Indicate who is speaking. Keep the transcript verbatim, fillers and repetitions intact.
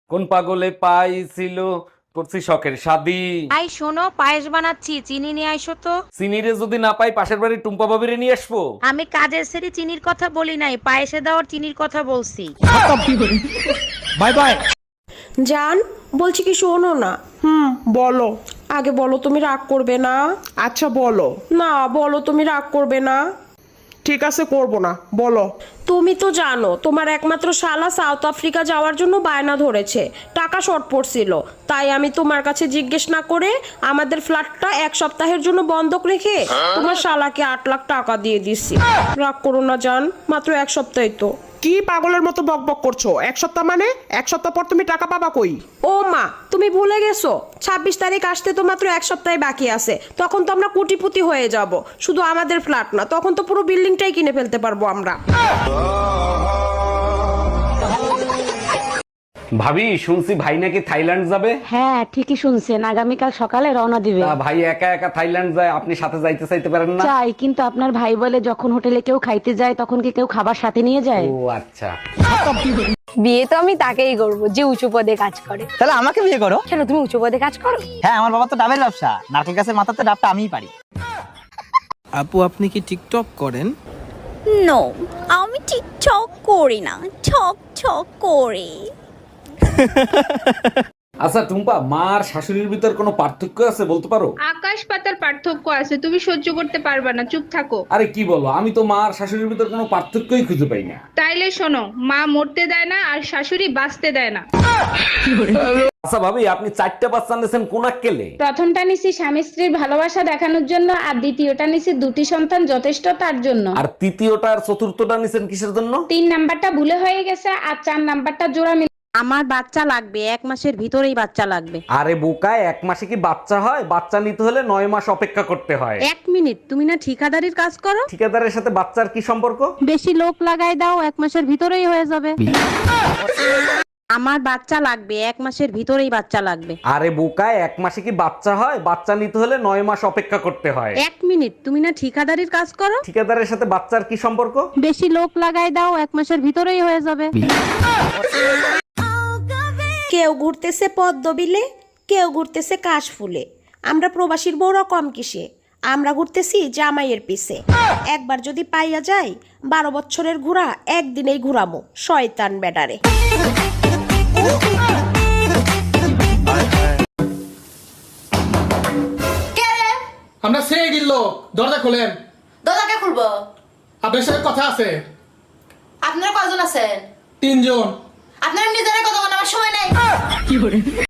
Speaker 1: কোন পাগলে পাইছিল করছি শখের শাদি।
Speaker 2: আই শোনো, পায়েস বানাচ্ছি, চিনি নিয়ে আইসো তো।
Speaker 1: চিনিরে যদি না পাই পাশের বাড়ির টুম্পা বাবিরে নিয়ে আসবো।
Speaker 2: আমি কাজের সেরি চিনির কথা বলি নাই, পায়েসে দেওয়ার চিনির কথা বলছি।
Speaker 3: Bye bye.
Speaker 4: জান, বলছি কি শোনো না।
Speaker 3: হুম, বলো।
Speaker 4: আগে বলো তুমি রাগ করবে না।
Speaker 3: আচ্ছা বলো।
Speaker 4: না বলো তুমি রাগ করবে না।
Speaker 3: ঠিক আছে, করব না, বলো।
Speaker 4: তুমি তো জানো তোমার একমাত্র শালা সাউথ আফ্রিকা যাওয়ার জন্য বায়না ধরেছে, টাকা শর্ট পড়ছিল, তাই আমি তোমার কাছে জিজ্ঞেস না করে আমাদের ফ্ল্যাটটা এক সপ্তাহের জন্য বন্ধক রেখে তোমার শালাকে আট লাখ টাকা দিয়ে দিছি। রাগ করো না জান, মাত্র এক সপ্তাহই তো।
Speaker 3: কি পাগলের মতো বকবক করছো? এক সপ্তাহ মানে এক সপ্তাহ পর তুমি টাকা পাবা কই?
Speaker 4: ও মা, তুমি ভুলে গেছো ছাব্বিশ তারিখ আসতে তো মাত্র এক সপ্তাহ বাকি আছে। তখন তো আমরা কোটিপতি হয়ে যাব। শুধু আমাদের ফ্ল্যাট না, তখন তো পুরো বিল্ডিংটাই কিনে ফেলতে পারবো আমরা।
Speaker 1: ভাবি শুনছি ভাই নাকি থাইল্যান্ড যাবে।
Speaker 5: হ্যাঁ ঠিকই শুনছেন, আগামীকাল সকালে রওনা দিবে।
Speaker 1: তা ভাই একা একা থাইল্যান্ড যায়, আপনি সাথে যাইতে চাইতে পারেন না?
Speaker 5: চাই, কিন্তু আপনার ভাই বলে যখন হোটেলে কেউ খাইতে যায় তখন কি কেউ খাবার সাথে নিয়ে যায়?
Speaker 1: ও আচ্ছা।
Speaker 6: বিয়ে তো আমি তাকেই করব যে উঁচু পদে কাজ করে।
Speaker 7: তাহলে আমাকে বিয়ে করো।
Speaker 6: কেন, তুমি উঁচু পদে কাজ করো?
Speaker 7: হ্যাঁ, আমার বাবা তো ডাবের ব্যবসা, নারকেল গাছের মাথাতে ডাবটা আমিই পারি।
Speaker 8: আপু আপনি কি টিকটক করেন?
Speaker 9: নো, আমি টিকটক করি না, ছক ছক করি।
Speaker 1: আচ্ছা টুম্পা, মার শাশুড়ির ভিতর কোনো পার্থক্য আছে বলতে পারো?
Speaker 10: আকাশ পাতার পার্থক্য আছে, তুমি সহ্য করতে পারবা না, চুপ থাকো।
Speaker 1: আরে কি বলো, আমি তো মার শাশুড়ির ভিতর কোনো পার্থক্যই খুঁজে পাই না।
Speaker 10: তাইলে শোনো, মা মরতে দেয় না আর শাশুড়ি বাঁচতে দেয় না।
Speaker 1: আচ্ছা ভাবি, আপনি চারটা বাচ্চা নিয়েছেন কোন আক্কেলে?
Speaker 10: প্রথমটা নিছি স্বামী স্ত্রীর ভালোবাসা দেখানোর জন্য, আর দ্বিতীয়টা নিছি দুটি সন্তান যথেষ্ট তার জন্য,
Speaker 1: আর তৃতীয়টা আর চতুর্থটা নিছেন কিসের জন্য?
Speaker 10: তিন নাম্বারটা ভুলে হয়ে গেছে, আর চার নাম্বারটা জোড়া মিল।
Speaker 2: আমার বাচ্চা লাগবে, এক মাসের ভিতরেই বাচ্চা লাগবে।
Speaker 1: আরে বোকায়, এক মাসে কি বাচ্চা হয়? বাচ্চা নিতে হলে নয় মাস অপেক্ষা করতে হয়।
Speaker 2: এক মিনিট, তুমি না ঠিকাদারির কাজ করো?
Speaker 1: ঠিকাদারের সাথে বাচ্চার কি সম্পর্ক?
Speaker 2: বেশি লোক লাগাই দাও, এক মাসের ভিতরেই হয়ে যাবে। আমার বাচ্চা লাগবে, এক মাসের ভিতরেই বাচ্চা লাগবে।
Speaker 1: আরে বোকায়, এক মাসে কি বাচ্চা হয়? বাচ্চা নিতে হলে নয় মাস অপেক্ষা করতে হয়।
Speaker 2: এক মিনিট, তুমি না ঠিকাদারির কাজ করো?
Speaker 1: ঠিকাদারের সাথে বাচ্চার কি সম্পর্ক?
Speaker 2: বেশি লোক লাগাই দাও, এক মাসের ভিতরেই হয়ে যাবে।
Speaker 4: কেউ ঘুরতেছে পদ্ম বিলে, কেউ ঘুরতেছে কাশ ফুলে। আমরা প্রবাসীর বউরা কম কিসে, আমরা ঘুরতেছি জামাইয়ের পিছে। একবার যদি পাইয়া যাই বারো বছরের ঘোড়া, একদিনেই ঘুরামো শয়তান বেডারে।
Speaker 11: আমরা সে গিল, দরজা খুলেন।
Speaker 9: দরজাকে খুলবো?
Speaker 11: আপনার সাথে কথা আছে।
Speaker 9: আপনারা কয়জন আছেন?
Speaker 11: তিনজন।
Speaker 9: আপনারা নিজেরা কথা বলার সময় নাই।